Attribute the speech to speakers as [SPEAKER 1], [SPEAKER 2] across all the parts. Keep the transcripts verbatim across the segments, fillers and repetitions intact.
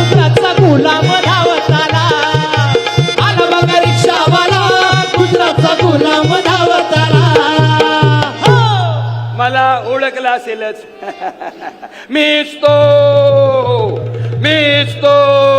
[SPEAKER 1] गुजरातचा गुलाम धावत आला, आला बघा रिक्षावाला, गुजरातचा गुलाम धावत आला. हो.
[SPEAKER 2] मला ओळखला असेलच. मीच तो मीच तो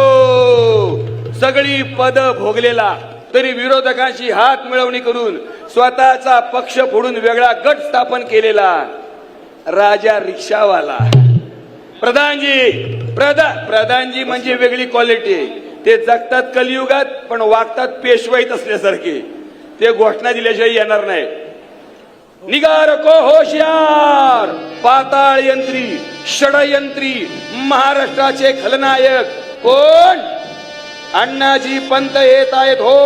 [SPEAKER 2] सगळी पद भोगलेला तरी विरोधकांशी हात मिळवणी करून स्वतःचा पक्ष फोडून वेगळा गट स्थापन केलेला राजा रिक्षावाला. प्रधानजी प्रधान प्रधानजी म्हणजे वेगळी क्वालिटी. ते जगतात कलियुगात पण वागतात पेशवाईत असल्यासारखे. ते घोषणा दिल्याशिवाय येणार नाही. निगार को होशियार, पाताळ यंत्री, षडयंत्री, महाराष्ट्राचे खलनायक कोण? अण्णाजी पंत येत आहेत हो.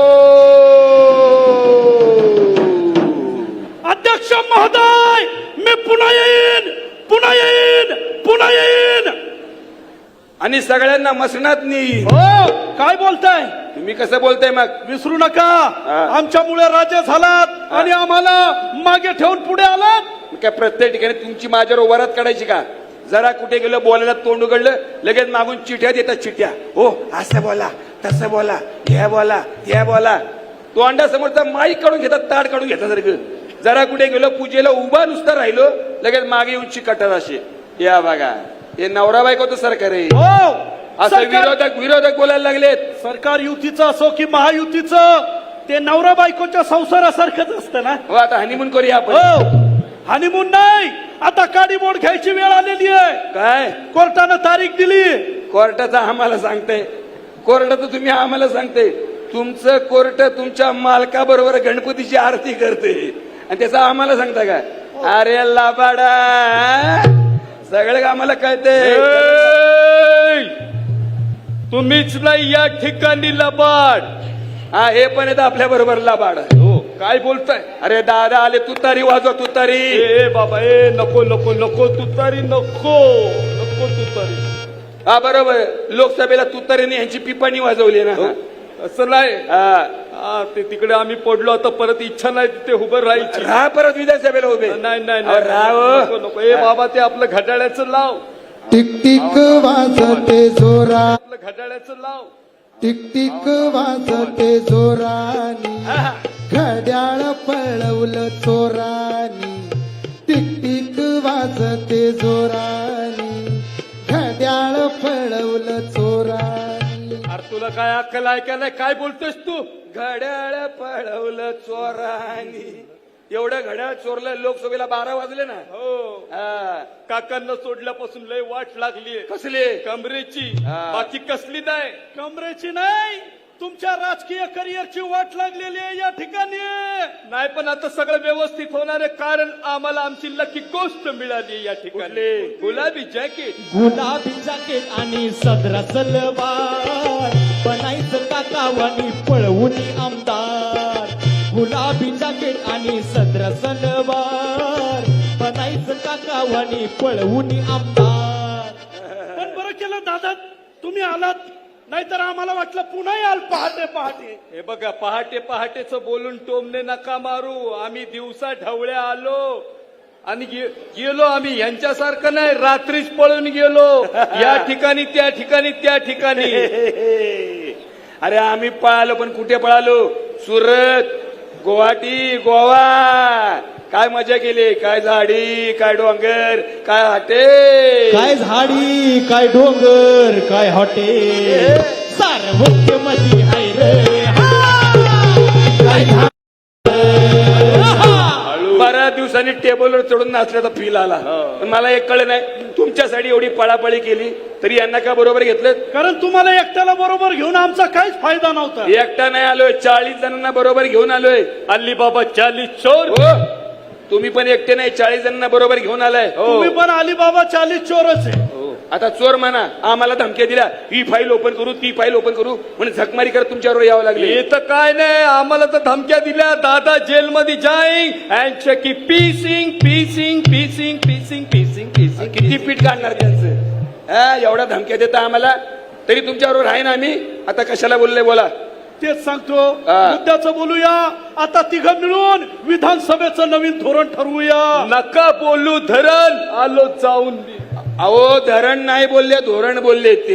[SPEAKER 3] अध्यक्ष महोदय, मी पुन्हा येईन, पुन्हा येईन, पुन्हा येईन.
[SPEAKER 2] आणि सगळ्यांना मसणात नाही.
[SPEAKER 3] हो, काय बोलताय
[SPEAKER 2] तुम्ही कसं बोलताय मग?
[SPEAKER 3] विसरू नका, आमच्यामुळे राजे झालात आणि आम्हाला मागे ठेवून पुढे आलात.
[SPEAKER 2] काय प्रत्येक ठिकाणी तुमची माझ्यावर वरात काढायची का? जरा कुठे गेलं बोलायला तोंड उघडलं लगेच मागून चिठ्या देतात. चिठ्या हो असं बोला, तसं बोला, हे बोला, हे बोला. तोंडासमोरचा माईक काढून घेतात, ताड काढून घेतात सारखं. जरा कुठे गेलो पूजेला उभा नुसता राहिलो लगेच मागे येऊन चिकटतात असे. या बघा, हे नवरा बायकोचं सरकार आहे.
[SPEAKER 3] हो,
[SPEAKER 2] असं विरोधक विरोधक बोलायला लागलेत.
[SPEAKER 3] सरकार युतीचं असो की महायुतीचं, ते नवरा बायकोच्या संसारासारखंच असतं ना.
[SPEAKER 2] हो, आता हनीमून करूया आपण.
[SPEAKER 3] हो, हनीमून नाही, आता काडी मोड घ्यायची वेळ आलेली आहे.
[SPEAKER 2] काय
[SPEAKER 3] कोर्टानं तारीख दिली.
[SPEAKER 2] कोर्टाचा आम्हाला सांगते, कोर्टाचं तुम्ही आम्हाला सांगते. तुमचं कोर्ट तुमच्या मालकाबरोबर गणपतीची आरती करते आणि त्याचा आम्हाला सांगता का? अरे लाबाडा, सगळं आम्हाला कळते.
[SPEAKER 3] तुम्हीच नाही या ठिकाणी लबाड.
[SPEAKER 2] हा, हे पण येतं आपल्या बरोबर लाबाड.
[SPEAKER 3] हो, काय बोलताय?
[SPEAKER 2] अरे दादा आले, तुतारी वाजवा, तुतारी.
[SPEAKER 3] ए बाबा, ए नको नको नको तुतारी, नको नको तुतारी.
[SPEAKER 2] हा बरोबर, लोकसभेला तुतारीने यांची पिपाणी वाजवली ना.
[SPEAKER 3] असं नाही.
[SPEAKER 2] हा,
[SPEAKER 3] हा, ते तिकडे आम्ही पडलो, आता परत इच्छा नाही तिथे उभं राहायची.
[SPEAKER 2] राहा परत विधानसभेला उभे.
[SPEAKER 3] नाही नाही
[SPEAKER 2] अहो, राहा हो.
[SPEAKER 3] नको नको. ए बाबा, ते आपलं घड्याळ्याचं लाव.
[SPEAKER 4] टिक टिक वाजते जोरा,
[SPEAKER 3] आपलं घड्याळ्याचं लाव.
[SPEAKER 4] टिक टिक वाजते जोरानी, घड्याळ पळवलं चोरानी. टिक टिक वाजते जोरानी, घड्याळ पळवलं चोरानी.
[SPEAKER 3] अरे तुला काय अक्कल आहे का नाही? काय बोलतोस तू?
[SPEAKER 2] घड्याळ पळवलं चोरानी. एवढं घड्याळ चोरलं, लोकसभेला बारा वाजले ना.
[SPEAKER 3] हो,
[SPEAKER 2] हा,
[SPEAKER 3] काकांना सोडल्यापासून लय वाट लागलीये.
[SPEAKER 2] कसले?
[SPEAKER 3] कमरेची,
[SPEAKER 2] हा.
[SPEAKER 3] बाकी कसली नाही. कमरेची नाही, तुमच्या राजकीय करिअरची वाट लागलेली आहे या ठिकाणी. नाही, पण आता सगळं व्यवस्थित होणार आहे, कारण आम्हाला आमची लकी गोष्ट मिळाली या ठिकाणी. गुलाबी जॅकेट,
[SPEAKER 1] गुलाबी जॅकेट आणि सदरा सलवार, बनायचं काकावानी पळवून आमदार. गुलाबी जॅकेट आणि सदरा सलवार, बनायचं काकावानी पळवून आमदार.
[SPEAKER 3] पण बरं केलं दादा तुम्ही आलात, नाहीतर आम्हाला वाटलं पुन्हा याल पहाटे पहाटे. हे बघा, पहाटे पहाटेच बोलून टोमने नका मारू. आम्ही दिवसा ढवळ्या आलो आणि गे, गेलो आम्ही. यांच्यासारखं नाही रात्रीच पळून गेलो या ठिकाणी त्या ठिकाणी त्या ठिकाणी.
[SPEAKER 2] अरे आम्ही पळालो, पण कुठे पळालो? सुरत, गुवाहाटी, गोवा. काय मजा केली. काय झाडी, काय डोंगर, काय हाटे,
[SPEAKER 1] काय झाडी, काय डोंगर, काय हॉटेल, सार्वत्र्यमधी हाय रे. काय
[SPEAKER 2] बऱ्याच दिवसांनी टेबलवर चढून नाचल्याचा फील आला. पण मला एक कळलं नाही, तुमच्यासाठी एवढी पळापळी केली तरी यांना का बरोबर घेतलं?
[SPEAKER 3] कारण तुम्हाला एकट्याला बरोबर घेऊन आमचा काहीच फायदा नव्हता.
[SPEAKER 2] एकटा नाही आलोय, चाळीस जणांना बरोबर घेऊन आलोय.
[SPEAKER 3] अल्ली बाबा चालीस चोर.
[SPEAKER 2] हो, तुम्ही पण एकटे नाही, चाळीस जणांना बरोबर घेऊन आलाय.
[SPEAKER 3] तुम्ही पण अलीबाबा चालीस चोरच आहे.
[SPEAKER 2] आता चोर म्हणा, आम्हाला धमक्या दिल्या, ही फाईल ओपन करू, ती फाईल ओपन करू म्हणून झकमारी करत तुमच्यावर यावं लागले.
[SPEAKER 3] हे तर काय नाही, आम्हाला तर धमक्या दिल्या, दादा जेलमध्ये जाईन अँड की पीसिंग पीसिंग पीसिंग पीसिंग पीसिंग पीसिंग.
[SPEAKER 2] किती पीठ काढणार त्यांचं? हा, एवढ्या धमक्या देता आम्हाला, तरी तुमच्याबरोबर आहे ना आम्ही. आता कशाला बोलले बोला.
[SPEAKER 3] तेच सांगतो, मुद्द्याचं बोलूया. आता तिघं मिळून विधानसभेचं नवीन धोरण ठरवूया. नका बोलू धरण, आलो जाऊन.
[SPEAKER 2] अहो, धरण नाही बोलले, धोरण बोलले ते.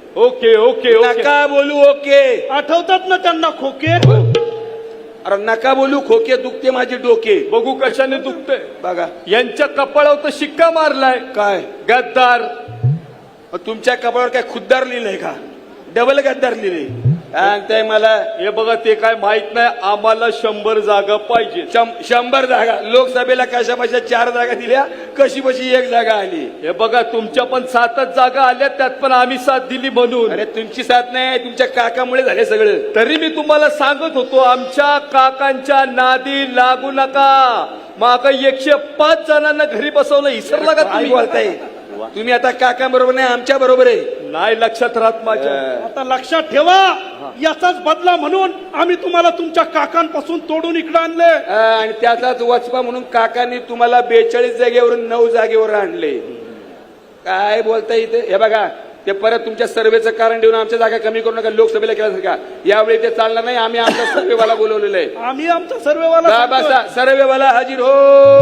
[SPEAKER 3] ओके ओके ओके
[SPEAKER 2] नका बोलू ओके.
[SPEAKER 3] आठवतात ना त्यांना खोके.
[SPEAKER 2] अरे नका बोलू खोके, दुखते माझे डोके.
[SPEAKER 3] बघू कशाने दुखतंय.
[SPEAKER 2] बघा
[SPEAKER 3] यांच्या कपाळावर तर शिक्का मारलाय.
[SPEAKER 2] काय
[SPEAKER 3] गद्दार.
[SPEAKER 2] मग तुमच्या कपाळावर काय खुद्दार लिहिलंय का? डबल गद्दार लिहिले सांगताय मला.
[SPEAKER 3] हे बघा ते काय माहित नाही. आम्हाला शंभर जागा पाहिजे.
[SPEAKER 2] शं- शंभर जागा लोकसभेला कशा बशा चार जागा दिल्या, कशी बशी एक जागा आली.
[SPEAKER 3] हे बघा तुमच्या पण सातच जागा आल्या, त्यात पण आम्ही साथ दिली म्हणून.
[SPEAKER 2] अरे तुमची साथ नाही, तुमच्या काकामुळे झाले सगळं.
[SPEAKER 3] तरी मी तुम्हाला सांगत होतो आमच्या काकांच्या नादी लागू नका. माग एकशे पाच जणांना घरी बसवलं, इसरला का
[SPEAKER 2] काय
[SPEAKER 3] तुम्ही?
[SPEAKER 2] बोलताय तुम्ही? आता काका बरोबर नाही, आमच्या बरोबर आहे.
[SPEAKER 3] नाही लक्षात राहत माझ्या.
[SPEAKER 5] आता लक्षात ठेवा, याचाच बदला म्हणून आम्ही तुम्हाला तुमच्या काकांपासून तोडून इकडे आणले.
[SPEAKER 2] हा, आणि त्याचाच वचपा म्हणून काकांनी तुम्हाला बेचाळीस जागेवरून नऊ जागेवर आणले. काय बोलताय इथे? हे बघा ते परत तुमच्या सर्वेचं कारण देऊन आमच्या जागा कमी करू नका, लोकसभेला केल्यासारखा. यावेळी ते चालणार नाही. आम्ही आमचा सर्वेवाला बोलवलेलं आहे.
[SPEAKER 5] आम्ही आमचा सर्वेवाला
[SPEAKER 2] बसा, सर्वेवाला हजीर हो.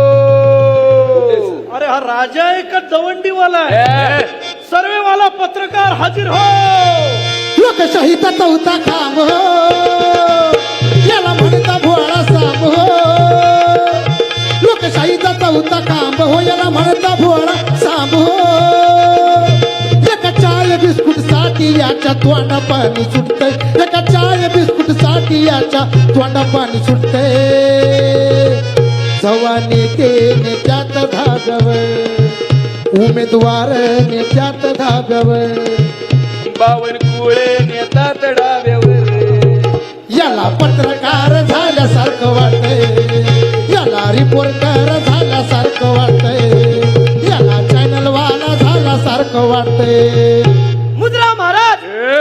[SPEAKER 5] अरे हा राजा आहे का दवंडीवाला आहे?
[SPEAKER 2] हे,
[SPEAKER 5] सर्वेवाला पत्रकार हाजीर हो.
[SPEAKER 4] लोकशाहीचा चौथा खांब हो, याला म्हणता भोळा साम हो. लोकशाहीचा चौथा खांब हो, याला म्हणता भोळा साम हो. एका चाय बिस्कुट साठी याच्या तोंडा पाणी सुटतंय. एका चाय बिस्कुट साठी याच्या तोंडा पाणी सुटतंय. जवा नेते नेत्यात धागावर, उमेदवार नेत्यात धागावर,
[SPEAKER 2] बावन कुळे नेतात डाव्यावर.
[SPEAKER 4] याला पत्रकार झाल्यासारखं वाटतंय, याला रिपोर्टर झाल्यासारखं वाटतंय, याला चॅनल वाला झाल्यासारखं वाटतंय.
[SPEAKER 5] मुद्रा महाराज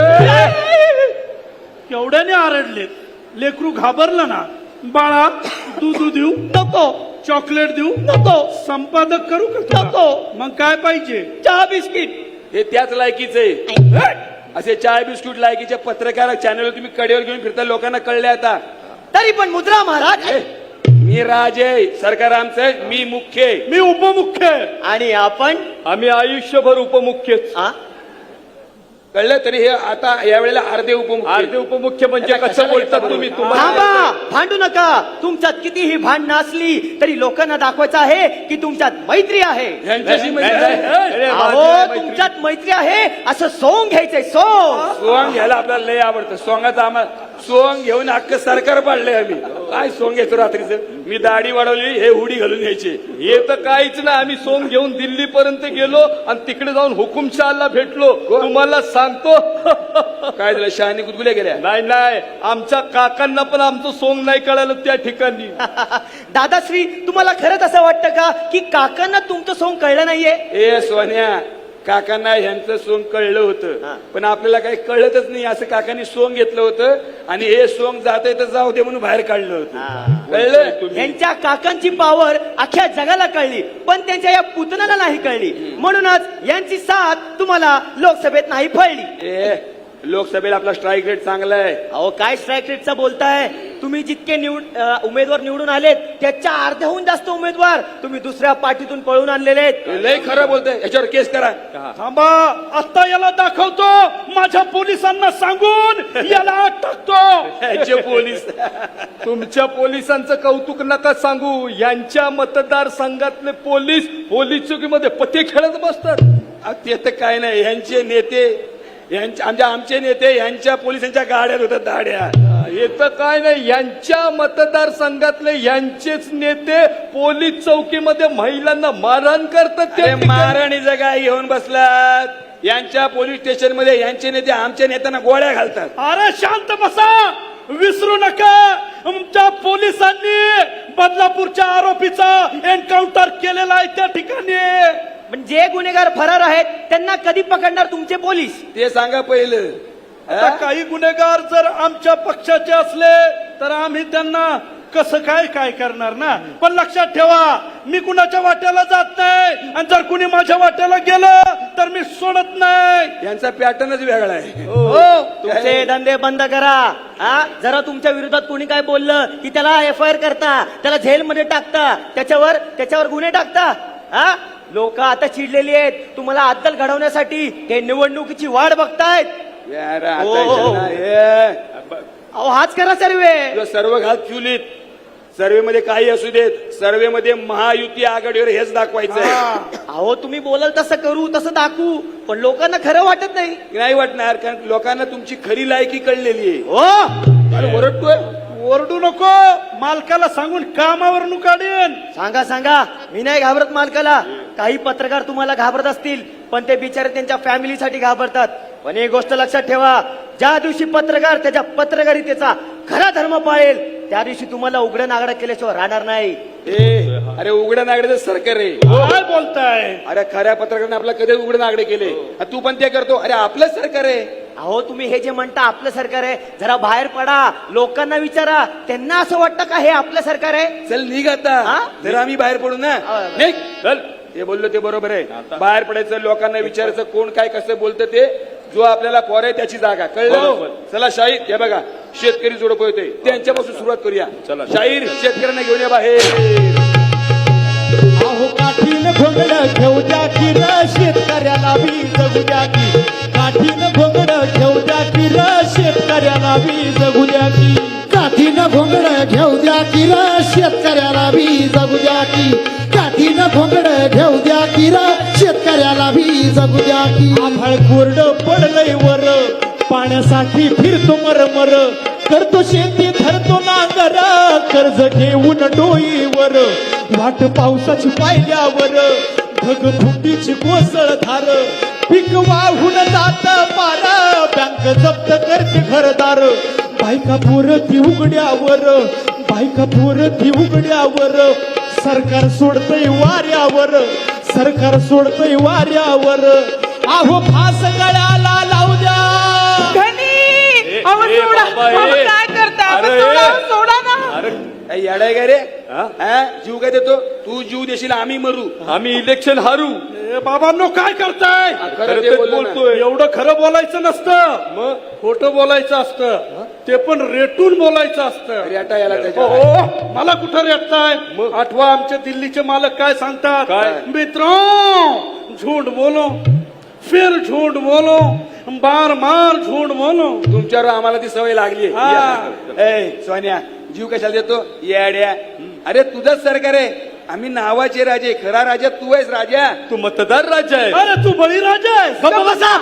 [SPEAKER 5] केवढ्याने आरडले. लेकरू घाबरलं ना. बाळा दूध देऊ नको, चॉकलेट देऊ नको, संपादक करू का नको, मग काय पाहिजे? चहा बिस्किट.
[SPEAKER 2] हे त्याच लायकीचे आहे. असे चाय बिस्कुट लायकीचे पत्रकार चॅनल तुम्ही कडेवर घेऊन फिरता, लोकांना कळले आता.
[SPEAKER 6] तरी पण मुद्रा महाराज,
[SPEAKER 2] ए, मी राजे आहे, सरकार आमचं आहे, मी मुख्य आहे.
[SPEAKER 5] मी उपमुख्य आहे.
[SPEAKER 6] आणि आपण
[SPEAKER 3] आम्ही आयुष्यभर उपमुख्यच.
[SPEAKER 6] आ?
[SPEAKER 2] कळलं? तरी हे आता यावेळेला अर्धे उपमुख्य.
[SPEAKER 3] अर्धे उपमुख्य म्हणजे
[SPEAKER 2] आता
[SPEAKER 3] कसं
[SPEAKER 2] कशाला
[SPEAKER 3] बोलतात
[SPEAKER 2] येता
[SPEAKER 3] तुम्ही?
[SPEAKER 2] बरोबर?
[SPEAKER 3] तुम्हाला
[SPEAKER 6] थांबा, भांडू नका. तुमच्यात कितीही भांडणं असली तरी लोकांना दाखवायचं आहे की तुमच्यात मैत्री आहे.
[SPEAKER 2] यांच्याशी
[SPEAKER 3] नाही,
[SPEAKER 2] म्हणजे
[SPEAKER 3] नाही, नाही. अरे,
[SPEAKER 6] अहो,
[SPEAKER 3] माझी मैत्री.
[SPEAKER 6] तुमच्यात मैत्री आहे असं सोंग घ्यायचंय, सोंग.
[SPEAKER 2] सोंग घ्यायला आपल्याला लय आवडतं. सोंगाचं आम्हाला सोंग घेऊन अख्खं सरकार पाडलंय आम्ही. काय सोंग घेतो रात्रीचं? मी दाढी वाढवली, हे हुडी घालून घ्यायचे.
[SPEAKER 3] हे तर काहीच नाही. आम्ही सोंग घेऊन दिल्ली पर्यंत गेलो आणि तिकडे जाऊन हुकुमशहाला भेटलो. तुम्हाला सांगतो
[SPEAKER 2] काय झालं? शहाणी गुदगुल्या गेल्या.
[SPEAKER 3] नाही नाही, आमच्या काकांना पण आमचं सोंग नाही कळालं त्या ठिकाणी.
[SPEAKER 6] दादाश्री, तुम्हाला खरंच असं वाटतं का की काकांना तुमचं सोंग कळलं नाहीये?
[SPEAKER 2] ए सोन्या, काकांना ह्यांचं सोंग कळलं होतं, पण आपल्याला काही कळतच नाही. असं काकांनी सोंग घेतलं होतं आणि हे सोंग जाते तर जाऊ दे म्हणून बाहेर काढलं होतं. कळलं?
[SPEAKER 6] यांच्या काकांची पावर अख्ख्या जगाला कळली, पण त्यांच्या या पुतण्याला नाही कळली. म्हणूनच यांची साथ तुम्हाला लोकसभेत नाही फळली.
[SPEAKER 2] ए, लोकसभेला आपला स्ट्राईक रेट चांगला आहे.
[SPEAKER 6] अहो, काय स्ट्राईक रेटचा बोलताय तुम्ही? जितके निवड अ, उमेदवार निवडून आलेत त्याच्या अर्ध्याहून जास्त उमेदवार तुम्ही दुसऱ्या पार्टीतून पळून आणलेले आहेत.
[SPEAKER 2] हे लय खरं बोलतोय, याच्यावर केस करा.
[SPEAKER 5] थांबा, आता याला दाखवतो. माझ्या पोलिसांना सांगून याला आत टाकतो.
[SPEAKER 2] ह्याचे पोलीस.
[SPEAKER 3] तुमच्या पोलिसांचं कौतुक नका सांगू. यांच्या मतदारसंघातले पोलीस पोलीस चौकीमध्ये पत्ते खेळत बसतात.
[SPEAKER 2] अहो, ते तर काय नाही. ह्यांचे नेते, यांच्या आमच्या आमचे नेते यांच्या पोलिसांच्या गाड्यात होतात दाड्या.
[SPEAKER 3] हे तर काय नाही, यांच्या मतदारसंघातले यांचेच नेते पोलीस चौकीमध्ये महिलांना मारहाण करतात. त्या
[SPEAKER 2] अरे
[SPEAKER 3] ठिकाणी.
[SPEAKER 2] महाराणीचं काय घेऊन बसलात? यांच्या पोलीस स्टेशन मध्ये यांचे नेते आमच्या नेत्यांना गोळ्या घालतात.
[SPEAKER 5] अरे शांत बसा, विसरू नका. आमच्या पोलिसांनी बदलापूरच्या आरोपीचा एन्काउंटर केलेला आहे त्या ठिकाणी.
[SPEAKER 6] पण जे गुन्हेगार फरार आहेत त्यांना कधी पकडणार तुमचे पोलीस?
[SPEAKER 2] ते सांगा पहिलं.
[SPEAKER 5] आता काही गुन्हेगार जर आमच्या पक्षाचे असले तर आम्ही त्यांना कसं काय काय करणार ना. पण लक्षात ठेवा, मी कुणाच्या वाट्याला जात नाही आणि जर कुणी माझ्या वाट्याला गेलं तर मी सोडत नाही.
[SPEAKER 2] यांचा पॅटर्नच वेगळा आहे.
[SPEAKER 6] हो, तुमचे धंदे बंद करा. हा, जरा तुमच्या विरोधात कोणी काय बोललं की त्याला एफ आय आर करता, त्याला जेलमध्ये टाकता, त्याच्यावर त्याच्यावर गुन्हे टाकता. हा, लोक आता चिडलेली आहेत तुम्हाला अद्दल घडवण्यासाठी ते निवडणुकीची वाट बघतायत
[SPEAKER 2] यार, आता
[SPEAKER 6] ओ.
[SPEAKER 2] इथं ना, हे,
[SPEAKER 6] अहो हाच करा सर्वे
[SPEAKER 2] तुला सर्व घात चुलीत सर्वे मध्ये काही असू देत सर्वे मध्ये महायुती आघाडीवर हेच दाखवायचं आहे.
[SPEAKER 6] अहो तुम्ही बोलाल तसं करू तसं दाखवू पण लोकांना खरं वाटत नाही
[SPEAKER 2] नाही वाटणार कारण लोकांना तुमची खरी लायकी कळलेली आहे.
[SPEAKER 6] हो
[SPEAKER 2] अरे ओरडतोय
[SPEAKER 5] ओरडू नको, मालकाला सांगून कामावर काढेन.
[SPEAKER 6] सांगा सांगा मी नाही घाबरत मालकाला. काही पत्रकार तुम्हाला घाबरत असतील पण ते बिचारे त्यांच्या फॅमिलीसाठी घाबरतात. पण एक गोष्ट लक्षात ठेवा, ज्या दिवशी पत्रकार त्याच्या पत्रकारितेचा खरा धर्म पाळेल त्या दिवशी तुम्हाला उघडं नागडं केल्याशिवाय राहणार नाही.
[SPEAKER 2] ए अरे उघड्या नागड्याचं सरकार आहे.
[SPEAKER 5] काय बोलताय?
[SPEAKER 2] अरे खऱ्या पत्रकाराने आपला कधी उघडे नागडे केले आणि तू पण ते करतो. अरे आपलं सरकार आहे.
[SPEAKER 6] अहो तुम्ही हे जे म्हणता आपलं सरकार आहे जरा बाहेर पडा लोकांना विचारा त्यांना असं वाटतं का हे आपलं सरकार आहे.
[SPEAKER 2] चल निघ आता
[SPEAKER 6] हा?
[SPEAKER 2] तर आम्ही बाहेर पडू ना.
[SPEAKER 6] हा.
[SPEAKER 2] निघ चल. ते बोललो ते बरोबर आहे. बाहेर पडायचं लोकांना विचारायचं कोण काय कसं बोलतं ते जो आपल्याला पोर आहे त्याची जागा कळलं. चला शाहीर हे बघा शेतकरी जोडप होते त्यांच्यापासून सुरुवात करूया. शाहीर शेतकऱ्यांना घेऊन या बाहेर.
[SPEAKER 1] अहो काठीनं घोंगड घेऊ द्या की र शेतकऱ्याला बी जगू द्या की. काठीनं घोंगड घेऊ द्या की र शेतकऱ्याला बी जगू द्या की.
[SPEAKER 4] काठीनं घोंगड घेऊ द्या की र शेतकऱ्याला बी जगू द्या की. काठीनं घोंगड घेऊ द्या की र शेतकऱ्याला बी जगू द्या की.
[SPEAKER 1] आभाळ कोरड पडलंय वर पाण्यासाठी फिरतो मरमर. करतो शेती धरतो नांगर कर्ज घेऊन डोईवर. वाट पावसाची पाहिल्यावर ढगफुटीची कोसळ धार. पीक वाहून जात पार बँक जप्त करते घरदार. बायका पोरती उघड्यावर बायका पोरती उघड्यावर. सरकार सोडतय वाऱ्यावर सरकार सोडतय वाऱ्यावर. अहो फास गळ्याला लावू द्या.
[SPEAKER 7] अहो सोडा अहो, काय करता अहो, सोडा अहो, सोडा ना.
[SPEAKER 2] काय येडाय का रे हा? जीव काय देतो तू जीव देशील आम्ही मरू.
[SPEAKER 3] आम्ही इलेक्शन हारू.
[SPEAKER 5] ए बाबांनो काय करताय?
[SPEAKER 2] खरं ते बोललो ना.
[SPEAKER 3] बोलतोय.
[SPEAKER 5] एवढं खरं बोलायचं नसतं, मग खोटं बोलायचं असतं. ते पण रेटून बोलायचं असतं.
[SPEAKER 2] रेटा याला त्याच्या
[SPEAKER 5] हो मला कुठं रेटताय? आठवा आमचे दिल्लीचे मालक काय सांगतात?
[SPEAKER 3] काय?
[SPEAKER 5] मित्रों झूठ बोलो फिर झूठ बोलो बार बार झूठ बोलो.
[SPEAKER 2] तुमच्यावर आम्हाला ती सवय लागली.
[SPEAKER 5] हा.
[SPEAKER 2] ए सोन्या जीव कशाला देतो येड्या. अरे तुझंच सरकार आहे. आम्ही नावाचे राजे खरा राजा तू आहेस राजा.
[SPEAKER 3] तू मतदार राजा आहे.
[SPEAKER 5] अरे तू बळीराजा आहेस.
[SPEAKER 6] गप्प बसा.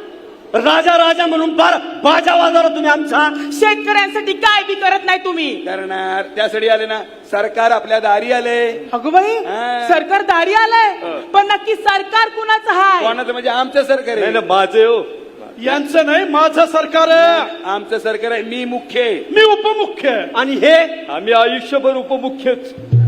[SPEAKER 6] राजा राजा म्हणून फार बाजा वाजवला तुम्ही आमचा.
[SPEAKER 7] शेतकऱ्यांसाठी काय बी करत नाही तुम्ही.
[SPEAKER 2] करणार त्यासाठी आले ना सरकार आपल्या दारी आले.
[SPEAKER 7] अगं बाई
[SPEAKER 2] हा.
[SPEAKER 7] सरकार दारी आलंय पण नक्की सरकार कुणाचं हाय.
[SPEAKER 2] कोणाचं म्हणजे आमचं सरकार
[SPEAKER 3] नाही
[SPEAKER 2] आहे.
[SPEAKER 3] ना माझे हो.
[SPEAKER 5] यांचं नाही माझं सरकार आहे.
[SPEAKER 2] आमचं सरकार आहे. मी मुख्य आहे.
[SPEAKER 5] मी उपमुख्य आहे.
[SPEAKER 6] आणि हे
[SPEAKER 3] आम्ही आयुष्यभर उपमुख्यच.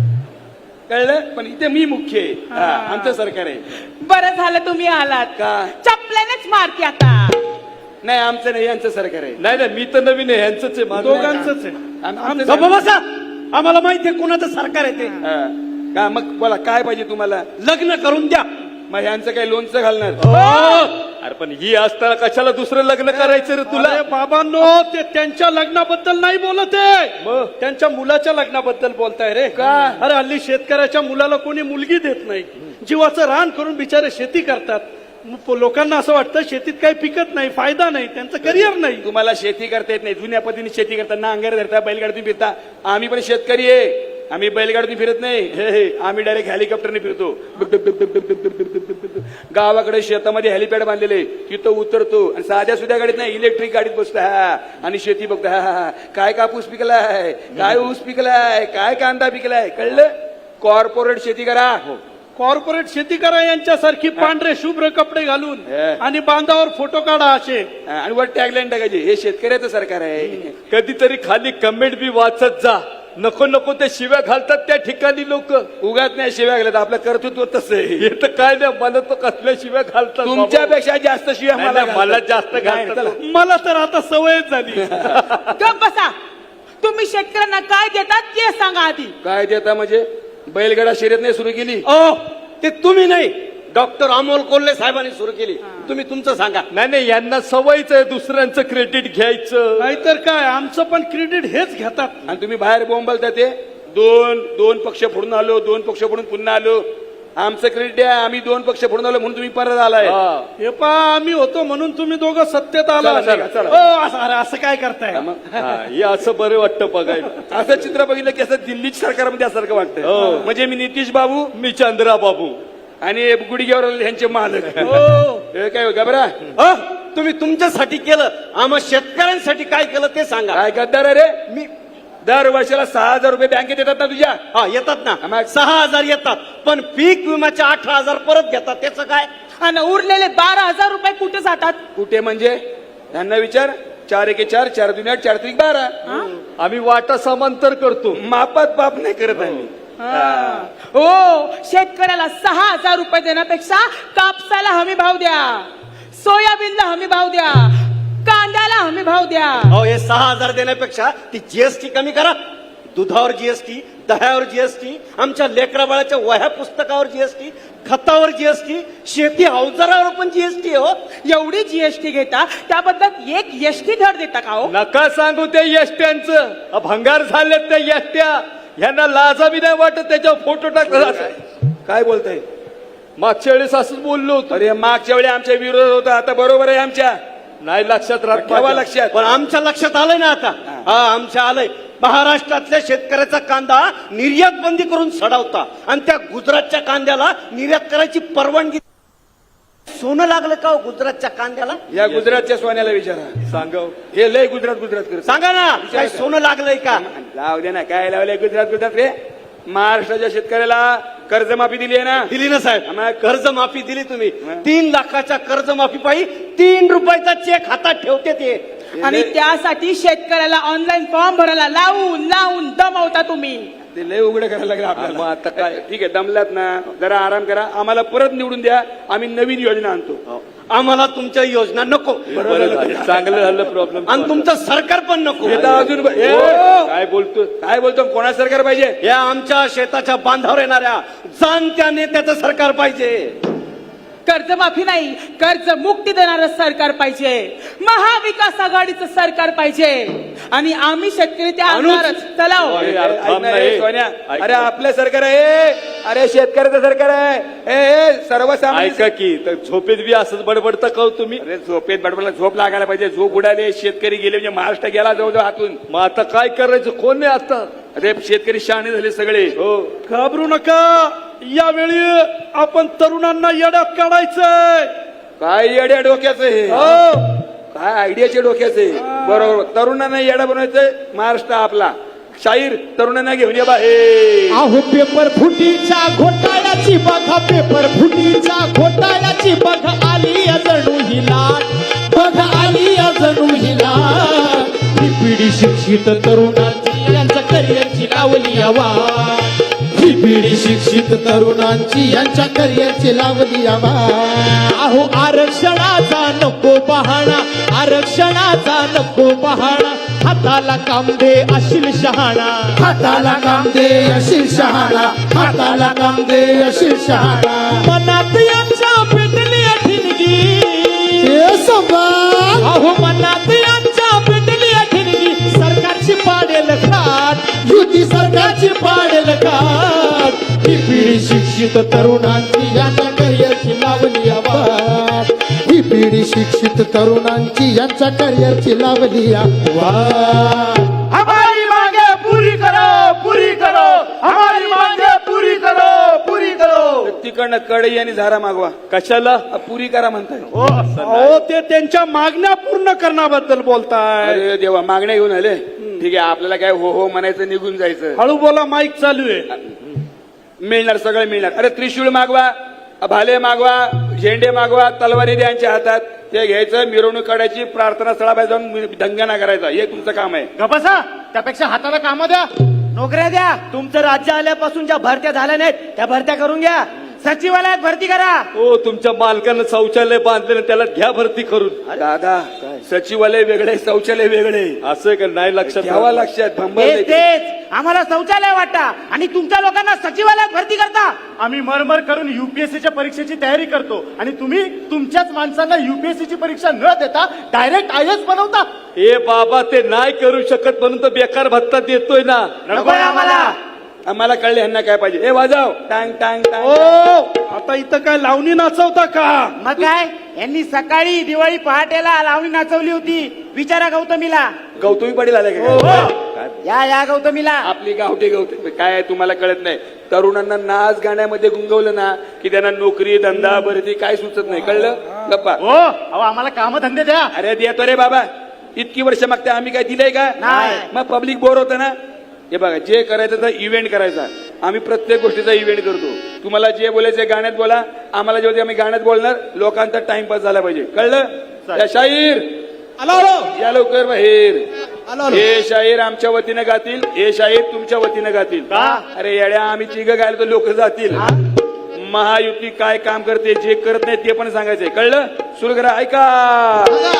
[SPEAKER 2] कळलं पण इथे मी मुख्य आहे. हा, आमचं सरकार आहे.
[SPEAKER 7] बरं झालं तुम्ही आलात.
[SPEAKER 2] का?
[SPEAKER 7] चपल्यानेच मारते आता.
[SPEAKER 2] नाही आमचं नाही यांचं सरकार आहे.
[SPEAKER 3] नाही नाही मी तर नवीन आहे ह्यांचंच आहे माझं.
[SPEAKER 5] दोघांचंच आहे.
[SPEAKER 2] आम- आमचं
[SPEAKER 6] गप्प
[SPEAKER 2] सरकार-
[SPEAKER 6] बसा. आम्हाला माहितीये कुणाचं सरकार आहे ते.
[SPEAKER 2] हा. का मग बोला काय पाहिजे तुम्हाला?
[SPEAKER 6] लग्न करून द्या.
[SPEAKER 2] मग ह्यांचं काही लोणचं घालणार.
[SPEAKER 3] अरे पण ही असताना कशाला दुसरं लग्न करायचं रे तुला?
[SPEAKER 5] अरे बाबांनो ते त्यांच्या लग्नाबद्दल नाही बोलत आहे,
[SPEAKER 3] मग?
[SPEAKER 5] त्यांच्या मुलाच्या लग्नाबद्दल बोलताय रे.
[SPEAKER 2] का?
[SPEAKER 5] अरे हल्ली शेतकऱ्याच्या मुलाला कोणी मुलगी देत नाही. जीवाचं रान करून बिचारे शेती करतात. मग लोकांना असं वाटतं शेतीत काही पिकत नाही फायदा नाही त्यांचं करिअर नाही.
[SPEAKER 2] तुम्हाला शेती करता येत नाही. जुन्या पद्धतीने शेती करता नांगर धरता बैलगाडीतून फिरता. आम्ही पण शेतकरी आहे. आम्ही बैलगाडीतून फिरत नाही. हे हे आम्ही डायरेक्ट हेलिकॉप्टरने फिरतो. डुक डुक डुक डुक डुक डुक डुक डुक डुक डुक. गावाकडे शेतामध्ये हेलिपॅड बांधलेले तिथं उतरतो आणि साध्या सुध्या गाडीत नाही इलेक्ट्रिक गाडीत बसतो. हा आणि शेती बघतो. हा हा काय कापूस पिकलाय काय ऊस पिकलाय काय कांदा पिकलाय. कळलं? कॉर्पोरेट शेती करा.
[SPEAKER 5] कॉर्पोरेट शेती करा यांच्यासारखी पांढरे शुभ्र कपडे घालून
[SPEAKER 2] हे.
[SPEAKER 5] आणि बांधावर फोटो काढा असे.
[SPEAKER 2] आणि वर टॅगलाईन टाकायची हे शेतकऱ्याचं सरकार आहे.
[SPEAKER 3] कधीतरी खाली कमेंट बी वाचत जा. नको नको ते शिव्या घालतात त्या ठिकाणी लोक.
[SPEAKER 2] उगाच नाही शिव्या घालत. आपलं कर्तृत्व तसं आहे.
[SPEAKER 3] हे तर काय नाही मला तर कसल्या शिव्या घालतात बाबा.
[SPEAKER 2] तुमच्यापेक्षा जास्त शिव्या
[SPEAKER 3] नाही,
[SPEAKER 2] मला
[SPEAKER 3] नाही, मला
[SPEAKER 2] घालतात.
[SPEAKER 3] जास्त
[SPEAKER 2] नाही,
[SPEAKER 3] घालतात.
[SPEAKER 2] चला.
[SPEAKER 5] मला तर आता सवयच झाली.
[SPEAKER 7] गप बसा. तुम्ही शेतकऱ्यांना काय देतात ते सांगा आधी.
[SPEAKER 2] काय देता म्हणजे बैलगाडा शर्यत नाही सुरू केली.
[SPEAKER 6] ओ ते तुम्ही नाही डॉक्टर अमोल कोल्हे साहेबांनी सुरू केली. तुम्ही तुमचं सांगा.
[SPEAKER 3] नाही नाही यांना सवयच आहे दुसऱ्यांचं क्रेडिट घ्यायचं.
[SPEAKER 5] नाहीतर काय आमचं पण क्रेडिट हेच घेतात.
[SPEAKER 2] आणि तुम्ही बाहेर बोंबलता ते दोन दोन पक्ष फोडून आलो दोन पक्ष फोडून पुन्हा आलो. आमचं क्रेडिट आहे, आम्ही दोन पक्ष फोडून आलो म्हणून तुम्ही परत आलाय.
[SPEAKER 5] हे पा आम्ही होतो म्हणून तुम्ही दोघं सत्तेत आला.
[SPEAKER 2] चला, चला, चला.
[SPEAKER 5] हो, असं अरे असं काय करताय?
[SPEAKER 3] हे असं बरं वाटतं बघायला.
[SPEAKER 2] असं चित्र बघितलं की असं दिल्ली सरकारमध्ये असल्यासारखं वाटतं. म्हणजे मी नितीश बाबू,
[SPEAKER 3] मी चंद्रा बाबू
[SPEAKER 2] आणि गुडघ्यावर यांचे मालक.
[SPEAKER 5] हो.
[SPEAKER 2] हे काय घबरा
[SPEAKER 8] अ, तुम्ही तुमच्यासाठी केलं, आम्हा शेतकऱ्यांसाठी काय केलं ते सांगा.
[SPEAKER 2] काय गद्दार रे?
[SPEAKER 8] मी
[SPEAKER 2] दर वर्षाला सहा हजार रुपये बँकेत येतात ना तुझ्या?
[SPEAKER 8] हा येतात ना,
[SPEAKER 2] आम्हा-
[SPEAKER 8] सहा हजार येतात, पण पीक विम्याचे अठरा हजार परत घेतात, त्याचं काय?
[SPEAKER 7] आणि उरलेले बारा हजार रुपये कुठे जातात?
[SPEAKER 2] कुठे म्हणजे? त्यांना विचार. चार एके चार, चार दुनिया चार त्रिक बारा.
[SPEAKER 3] आम्ही वाटा समांतर करतो.
[SPEAKER 2] मापात पाप नाही करत आम्ही.
[SPEAKER 7] हो, शेतकऱ्याला सहा हजार रुपये देण्यापेक्षा कापसाला हमी भाव द्या, सोयाबीनला हमी भाव द्या, कांद्याला हमी भाव द्या.
[SPEAKER 8] अहो, हे सहा हजार देण्यापेक्षा ती जीएसटी कमी करा. दुधावर जीएसटी, दह्यावर जीएसटी, आमच्या लेकरा बाळाच्या वह्या पुस्तकावर जीएसटी, खतावर जीएसटी, शेती अवजारावर पण जीएसटी हो.
[SPEAKER 7] एवढी जीएसटी घेता, त्याबद्दल एक एसटी धड देता का हो?
[SPEAKER 3] नका सांगू ते यष्ट्यांचं. भंगार झालेत त्या यष्ट्या. यांना लाजा बी नाही वाटत त्याच्यावर फोटो टाकला.
[SPEAKER 2] काय बोलताय?
[SPEAKER 3] मागच्या वेळेस असंच बोललो होतो.
[SPEAKER 2] अरे मागच्या वेळी आमच्या विरोध होता, आता बरोबर आहे आमच्या.
[SPEAKER 3] नाही लक्षात राहत
[SPEAKER 2] ठेवा
[SPEAKER 3] माझ्या.
[SPEAKER 2] लक्षात.
[SPEAKER 8] पण आमच्या लक्षात आलंय ना आता. हा, आमच्या आलंय. महाराष्ट्रातल्या शेतकऱ्याचा कांदा निर्यात बंदी करून सडवता आणि त्या गुजरातच्या कांद्याला निर्यात करायची परवानगी. सोनं लागलं का हो गुजरातच्या कांद्याला?
[SPEAKER 2] या गुजरातच्या सोन्याला विचारा.
[SPEAKER 3] सांगव.
[SPEAKER 2] हे लय गुजरात गुजरात करत.
[SPEAKER 8] सांगा ना, काय सोनं लागलंय का?
[SPEAKER 2] लाव दे ना, काय लावलंय गुजरात गुजरात रे? महाराष्ट्राच्या शेतकऱ्याला कर्जमाफी दिली आहे ना?
[SPEAKER 8] दिली ना साहेब.
[SPEAKER 2] आम्हाला
[SPEAKER 8] कर्ज माफी दिली तुम्ही. तीन लाखाच्या कर्ज माफी पायी तीन रुपयाचा चेक हातात ठेवते ते.
[SPEAKER 7] आणि त्यासाठी शेतकऱ्याला ऑनलाईन फॉर्म भरायला लावून लावून दमवता तुम्ही.
[SPEAKER 2] ते लय उघडं करायला लागलं
[SPEAKER 3] मग
[SPEAKER 2] आपल्याला.
[SPEAKER 3] आता काय?
[SPEAKER 2] ठीक आहे, दमलात ना, जरा आराम करा. आम्हाला परत निवडून द्या, आम्ही नवीन योजना आणतो.
[SPEAKER 8] आम्हाला तुमच्या योजना नको.
[SPEAKER 3] बरं झालं. चांगलं झालं प्रॉब्लेम.
[SPEAKER 8] आणि तुमचं सरकार पण नको.
[SPEAKER 2] हे तर अजून ब- ए,
[SPEAKER 3] काय बोलतो?
[SPEAKER 2] काय बोलतो? कोणा सरकार पाहिजे?
[SPEAKER 8] या आमच्या शेताच्या बांधावर येणाऱ्या जाणत्या नेत्याचं सरकार पाहिजे.
[SPEAKER 7] कर्जमाफी नाही, कर्ज मुक्ती देणारं सरकार पाहिजे. महाविकास आघाडीचं सरकार पाहिजे. आणि आम्ही शेतकरी त्या आणणारच. चला हो.
[SPEAKER 3] अरे,
[SPEAKER 2] अरे,
[SPEAKER 3] यार,
[SPEAKER 2] ऐक
[SPEAKER 3] थांब
[SPEAKER 2] ना,
[SPEAKER 3] ना,
[SPEAKER 2] ए,
[SPEAKER 3] ए.
[SPEAKER 2] सोन्या.
[SPEAKER 3] ऐक
[SPEAKER 2] अरे
[SPEAKER 3] ना.
[SPEAKER 2] आपलं सरकार आहे. अरे शेतकऱ्याचं सरकार आहे. ए, ए सर्वसामान्य.
[SPEAKER 3] ऐका की तर झोपेत बी असंच बडबडता का हो तुम्ही?
[SPEAKER 2] अरे झोपेत बडबडला झोप लागायला पाहिजे. झोप उडाले, शेतकरी गेले म्हणजे महाराष्ट्र गेला जवळजवळ हातून.
[SPEAKER 3] मग आता काय करायचं? कोण आहे आता?
[SPEAKER 2] अरे शेतकरी शहाणे झाले सगळे.
[SPEAKER 3] हो.
[SPEAKER 5] घाबरू नका. यावेळी आपण तरुणांना येड्यात काढायचंय.
[SPEAKER 2] काय येड्या डोक्याचं हे?
[SPEAKER 5] हो.
[SPEAKER 2] काय आयडियाच्या डोक्याचं आहे? बरोबर. तरुणांना येडा बनवायचंय. महाराष्ट्र आपला. शाहीर तरुणांना घेऊन ये बा. हे
[SPEAKER 1] अहो पेपर फुटीच्या घोटाळ्याची बघा, पेपर फुटीच्या घोटाळ्याची बघा, आली जणू ही लाट, बघा आली जणू ही लाट. ही पिढी शिक्षित तरुणांची यांच्या करिअरची लावली आवाज,
[SPEAKER 4] ही पिढी शिक्षित तरुणांची यांच्या करिअरची लावली आवाज.
[SPEAKER 1] अहो आरक्षणाचा नको बहाणा, आरक्षणाचा नको बहाणा, हाताला काम दे अशील शहाणा,
[SPEAKER 4] हाताला काम दे अशील शहाणा, हाताला काम दे अशील शहाणा.
[SPEAKER 1] मनात यांच्या पेटली ठिणगी,
[SPEAKER 4] हे संभाळ.
[SPEAKER 1] अहो मनात यांच्या पेटली ठिणगी, सरकारची पाडेल खाट,
[SPEAKER 4] युती सरकारची
[SPEAKER 1] पाडेल खाट.
[SPEAKER 4] ही पिढी शिक्षित तरुणांची यांच्या करिअरची लावली आवाज, ही पिढी शिक्षित तरुणांची यांच्या करिअरची लावली आवाज.
[SPEAKER 5] हमारी मांगे पूरी करो, पूरी करो, हमारी मांगे पूरी करो, पूरी करो.
[SPEAKER 2] तिकडनं कढई आणि झारा मागवा.
[SPEAKER 3] कशाला?
[SPEAKER 2] अ, पुरी करा म्हणताय.
[SPEAKER 5] अहो ते त्यांच्या मागण्या पूर्ण करण्याबद्दल बोलताय.
[SPEAKER 2] अरे देवा, मागण्या घेऊन आले. ठीक आहे, आपल्याला काय हो हो म्हणायचं, निघून जायचं.
[SPEAKER 5] हळू बोला, माईक चालू आहे.
[SPEAKER 2] मिळणार, सगळं मिळणार. अरे त्रिशूळ मागवा, भाले मागवा, झेंडे मागवा, तलवारी द्या यांच्या हातात. ते घ्यायचं, मिरवणूक काढायची, प्रार्थना स्थळाबाहेर जाऊन दंगाना करायचा. हे तुमचं काम आहे.
[SPEAKER 6] गपासा, त्यापेक्षा हाताला काम द्या, नोकऱ्या द्या. तुमचं राज्य आल्यापासून ज्या भरत्या झाल्या नाहीत त्या भरत्या करून घ्या. सचिवालयात भरती करा.
[SPEAKER 3] हो, तुमच्या मालकानं शौचालय बांधलेलं, त्याला घ्या भरती करून.
[SPEAKER 2] दादा, सचिवालय वेगळे, शौचालय वेगळे.
[SPEAKER 3] असं आहे का? नाही लक्षात
[SPEAKER 2] घ्यावा लक्षात. भंबल
[SPEAKER 6] तेच
[SPEAKER 2] नाही.
[SPEAKER 6] तेच आम्हाला शौचालय वाटा आणि तुमच्या लोकांना सचिवालयात भरती करता.
[SPEAKER 9] आम्ही मरमर करून युपीएससीच्या परीक्षेची तयारी करतो आणि तुम्ही तुमच्याच माणसांना युपीएससीची परीक्षा न देता डायरेक्ट आय एस बनवता.
[SPEAKER 3] ए बाबा, ते नाही करू शकत म्हणून तर बेकार भत्ता देतोय ना.
[SPEAKER 6] नकोय आम्हाला.
[SPEAKER 2] आम्हाला कळले ह्यांना काय पाहिजे. हे वाजव टांग टांग
[SPEAKER 5] ओ
[SPEAKER 2] टांग.
[SPEAKER 5] आता इथं काय लावणी नाचवता का?
[SPEAKER 6] मग काय यांनी सकाळी दिवाळी पहाटेला लावणी नाचवली होती. विचारा गौतमीला.
[SPEAKER 2] गौतमी पाटील आले का
[SPEAKER 5] हो.
[SPEAKER 2] काय? काय?
[SPEAKER 6] या या गौतमीला.
[SPEAKER 2] आपली गावठी गवठी काय आहे तुम्हाला कळत नाही. तरुणांना नाच गाण्यामध्ये गुंगवलं ना की त्यांना नोकरी धंदा भरती काय सुचत नाही. कळलं गप्पा.
[SPEAKER 9] हो अहो आम्हाला कामधंदे द्या.
[SPEAKER 2] अरे देतो रे बाबा. इतकी वर्ष मागते आम्ही काय दिलंय का?
[SPEAKER 6] नाही.
[SPEAKER 2] मग पब्लिक बोर होतं ना. हे बघा जे करायचं तर इव्हेंट करायचा. आम्ही प्रत्येक गोष्टीचा इव्हेंट करतो. तुम्हाला जे बोलायचं गाण्यात बोला. आम्हाला जेव्हा आम्ही गाण्यात बोलणार लोकांचा टाइमपास झाला पाहिजे. कळलं? या शाहीर
[SPEAKER 1] आलो आलो
[SPEAKER 2] या लवकर बाहेर.
[SPEAKER 1] आलो आलो.
[SPEAKER 2] हे शाहीर आमच्या वतीनं गातील. हे शाहीर तुमच्या वतीनं गातील. अरे येड्या आम्ही तिघ गायला तर लोक जातील. महायुती काय काम करते जे करत नाही ते पण सांगायचंय. कळलं? सुरू करा. ऐका.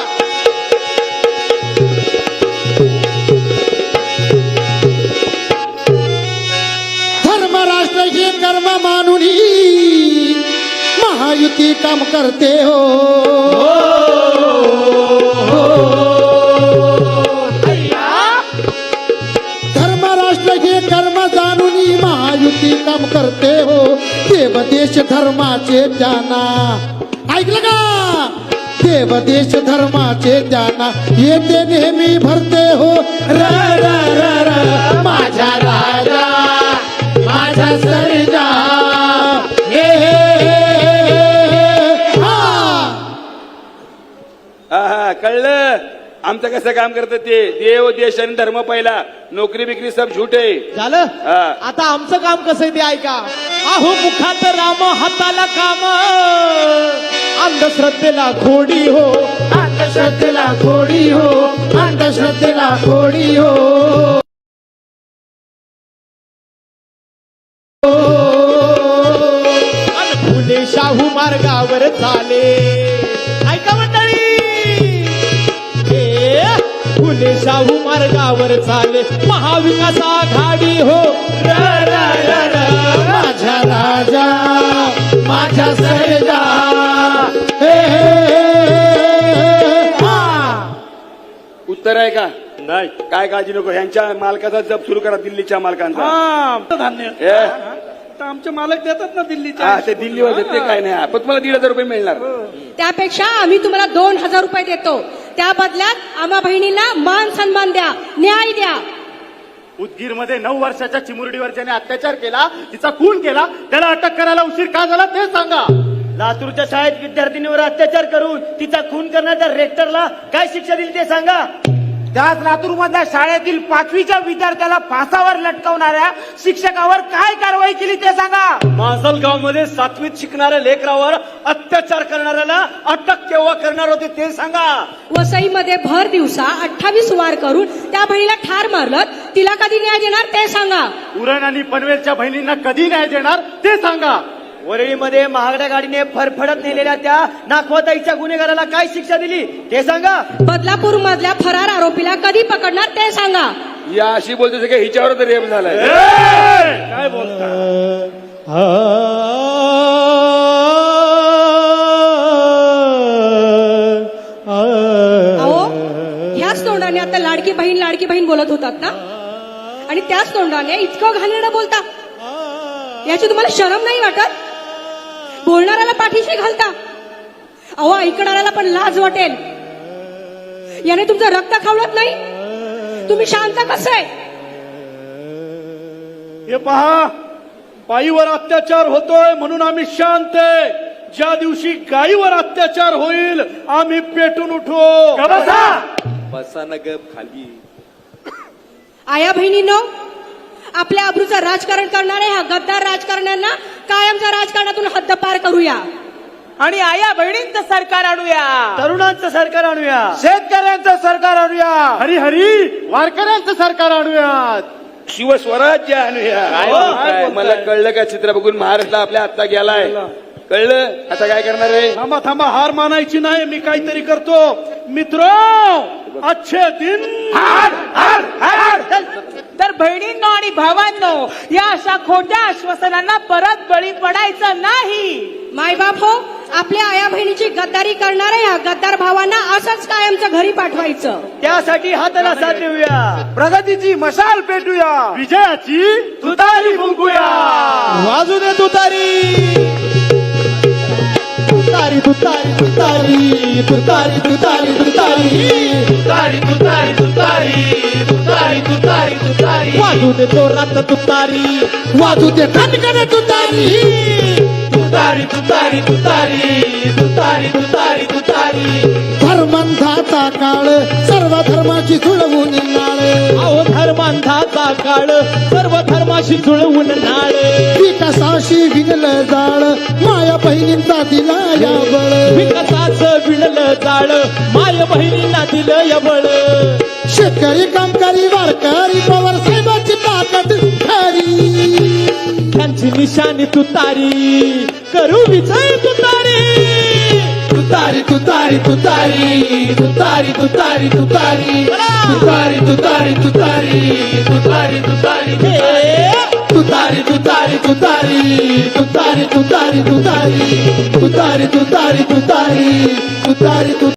[SPEAKER 4] धर्म राष्ट्र हे कर्म मानुनी महायुती काम करते हो. धर्म राष्ट्र हे कर्म जाणूनी महायुती काम करते हो. देव देश धर्माचे जाना. ऐकलं का? देव देश धर्माचे जाना येते नेहमी भरते हो. र र र र माझ्या राजा माझा सर्जा. हे हे, हे, हे, हा.
[SPEAKER 2] हा हा कळलं. आमचं कसं काम करतं ते. देव देश आणि धर्म पहिला. नोकरी बिकरी सब झूठे.
[SPEAKER 1] झालं
[SPEAKER 2] हा.
[SPEAKER 1] आता आमचं काम कसं आहे ते ऐका. अहो मुखात राम हाताला काम अंधश्रद्धेला खोडी हो.
[SPEAKER 4] अंधश्रद्धेला खोडी हो. अंधश्रद्धेला खोडी हो.
[SPEAKER 1] अन फुले शाहू मार्गावर चाले. ऐका मंडळी. ए, फुले शाहू मार्गावर चाले महाविकास आघाडी हो. र, र, र, र.
[SPEAKER 4] माझा राजा माझा सर्जा. हे, हे, हे, हा.
[SPEAKER 2] उत्तर आहे का?
[SPEAKER 5] नाही.
[SPEAKER 2] काय काळजी नको. ह्यांच्या मालकाचा जप सुरू करा. दिल्लीच्या मालकांचा.
[SPEAKER 5] हा धान्य
[SPEAKER 2] हे?
[SPEAKER 5] तर आमचे मालक देतात ना दिल्लीच्या.
[SPEAKER 2] हा ते दिल्लीवर देते काय नाही. पण तुम्हाला दीड हजार रुपये मिळणार.
[SPEAKER 10] त्यापेक्षा आम्ही तुम्हाला दोन हजार रुपये देतो. त्या बदल्यात आम्हा बहिणींना मान सन्मान द्या, न्याय द्या.
[SPEAKER 9] उदगीर मध्ये नऊ वर्षाच्या चिमुरडीवर ज्याने अत्याचार केला तिचा खून केला त्याला अटक करायला उशीर का झाला ते सांगा.
[SPEAKER 6] लातूरच्या शाळेत विद्यार्थिनीवर अत्याचार करून तिचा खून करण्याच्या रेक्टरला काय शिक्षा दिली ते सांगा. त्याच लातूर मधल्या शाळेतील पाचवीच्या विद्यार्थ्याला फासावर लटकवणाऱ्या शिक्षकावर काय कारवाई केली ते सांगा.
[SPEAKER 8] माजलगाव मध्ये सातवीत शिकणाऱ्या लेकरावर अत्याचार करणाऱ्याला अटक केव्हा करणार होते ते सांगा.
[SPEAKER 10] वसईमध्ये भर दिवसा अठ्ठावीस वार करून त्या बहिणीला ठार मारलं. तिला कधी न्याय देणार ते सांगा.
[SPEAKER 9] उरण आणि पनवेलच्या बहिणींना कधी न्याय देणार ते सांगा.
[SPEAKER 6] वरळीमध्ये महागड्या गाडीने फरफडत नेलेल्या त्या नाखवताईच्या गुन्हेगाराला काय शिक्षा दिली ते सांगा.
[SPEAKER 10] बदलापूर मधल्या फरार आरोपीला कधी पकडणार ते सांगा.
[SPEAKER 2] या अशी बोलते की हिच्यावर तर रेप झालाय.
[SPEAKER 5] काय बोलता?
[SPEAKER 10] अहो ह्याच तोंडाने आता लाडकी बहीण लाडकी बहीण बोलत होतात ना. आणि त्याच तोंडाने इतकं घाणेरडं बोलता. याची तुम्हाला शरम नाही वाटत? बोलणाऱ्याला पाठीशी घालता. अहो ऐकणाऱ्याला पण लाज वाटेल. याने तुमचं रक्त खावळत नाही. तुम्ही शांत कसं आहे?
[SPEAKER 5] हे पहा बाईवर अत्याचार होतोय म्हणून आम्ही शांत आहे. ज्या दिवशी गाईवर अत्याचार होईल आम्ही पेटून उठू.
[SPEAKER 2] बसा न गप खाली.
[SPEAKER 10] आया बहिणींनो, आपल्या अब्रूचं राजकारण करणाऱ्या ह्या गद्दार राजकारण्यांना कायमच्या राजकारणातून हद्दपार करूया.
[SPEAKER 7] आणि आया बहिणींचं सरकार आणूया.
[SPEAKER 6] तरुणांचं सरकार आणूया.
[SPEAKER 9] शेतकऱ्यांचं सरकार आणूया. हरी हरी वारकऱ्यांचं सरकार आणूयात.
[SPEAKER 2] शिवस्वराज्य आणूया.
[SPEAKER 5] काय
[SPEAKER 2] हो,
[SPEAKER 5] बोलताय?
[SPEAKER 2] काय? मला कळलं का चित्र बघून महाराष्ट्र आपल्या आत्ता गेलाय. कळलं आता काय करणार आहे.
[SPEAKER 5] थांबा थांबा हार मानायची नाही. मी काहीतरी करतो. मित्र अच्छे दिन.
[SPEAKER 7] तर बहिणींनो आणि भावांनो, या अशा खोट्या आश्वासनांना परत बळी पडायचं नाही.
[SPEAKER 10] मायबाप हो, आपल्या आया बहिणीची गद्दारी करणाऱ्या या गद्दार भावांना असंच कायमचं घरी पाठवायचं.
[SPEAKER 6] त्यासाठी हाताला साथ देऊया,
[SPEAKER 8] प्रगतीची मशाल पेटूया,
[SPEAKER 9] विजयाची
[SPEAKER 8] तुतारी फुंकूया.
[SPEAKER 1] वाजू दे तुतारी तुतारी तुतारी तुतारी तुतारी तुतारी तुतारी
[SPEAKER 8] तुतारी तुतारी तुतारी तुतारी तुतारी तुतारी
[SPEAKER 1] वाजू दे जोरात तुतारी
[SPEAKER 4] वाजू दे खणखण तुतारी
[SPEAKER 8] तुतारी तुतारी तुतारी तुतारी तुतारी तुतारी.
[SPEAKER 4] धर्मांधाचा काळ सर्व धर्माची जुळवून नाळ
[SPEAKER 1] अहो धर्मांधाचा काळ सर्व धर्माशी जुळवून नाळ
[SPEAKER 4] विकासाशी विणलं जाळ माया बहिणींचा दिला या बळ
[SPEAKER 1] विकासाचं विणलं जाळ माय बहिणींना दिलं यबळ
[SPEAKER 4] शेतकरी कामकरी वारकरी पवार साहेबांची ताकद खरी
[SPEAKER 1] त्यांची निशाणी तुतारी करू विजय तुतारी
[SPEAKER 8] तुतारी तुतारी तुतारी तुतारी तुतारी तुतारी तुतारी तुतारी तुतारी तुतारी तुतारी
[SPEAKER 1] हे
[SPEAKER 8] तुतारी तुतारी तुतारी तुतारी तुतारी तुतारी तुतारी तुतारी तुतारी तुतारी तुतारी